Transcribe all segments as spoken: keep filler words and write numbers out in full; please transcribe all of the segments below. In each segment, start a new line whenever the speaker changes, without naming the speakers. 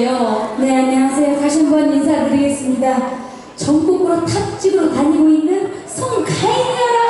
나오실게요.
네, 안녕하세요. 다시 한번 인사드리겠습니다. 전국으로 탑집으로 다니고 있는 송가인이라.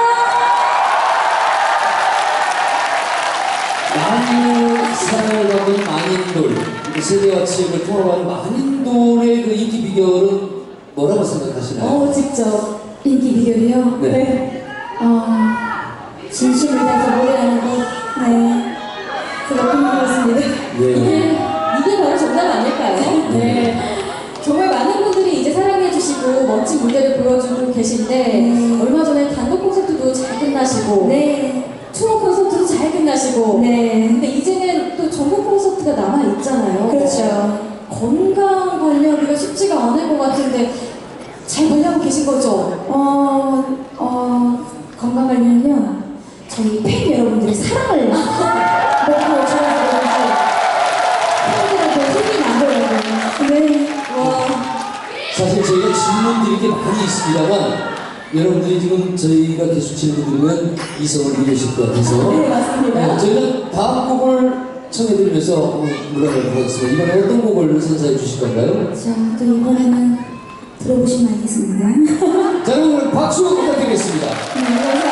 많은 사랑을 받는 만인돌, 세대와 지역을 통합하는 만인돌의 그 인기 비결은 뭐라고 생각하시나요?
어, 직접 인기 비결이요?
네.
네. 어, 진심을 다해서 노래하는 것. 네. 제가 꿈꾸었습니다.
예.
이게, 이게 바로 정답 아닐까요? 네. 정말 많은 분들이 이제 사랑해주시고 멋진 무대를 보여주고 계신데
음.
얼마 전에 단독 콘서트도 잘 끝나시고
네.
투어 콘서트도 잘 끝나시고
네.
근데 이제는 또 전국 콘서트가 남아있잖아요.
그렇죠.
건강 관리하기가 쉽지가 않을 것 같은데 잘 관리하고 계신 거죠?
어, 어, 건강 관리는요, 저희 팬 여러분들의 사랑을 먹고 좋아서 그런지 팬들한테 힘이 나더라고요. 네.
와,
사실 저희가 질문 드릴 게 많이 있습니다만 여러분들이 지금 저희가 계속 질문 드리면 이성을 잃으실 것 같아서
네, 맞습니다.
네, 저희는 다음 곡을 청해드리면서 물어보도록 하겠습니다. 이번에 어떤 곡을 선사해 주실 건가요?
자, 또 이번에는 들어보시면 알겠습니다.
자, 여러분 박수 부탁드리겠습니다.
네, 감사합니다.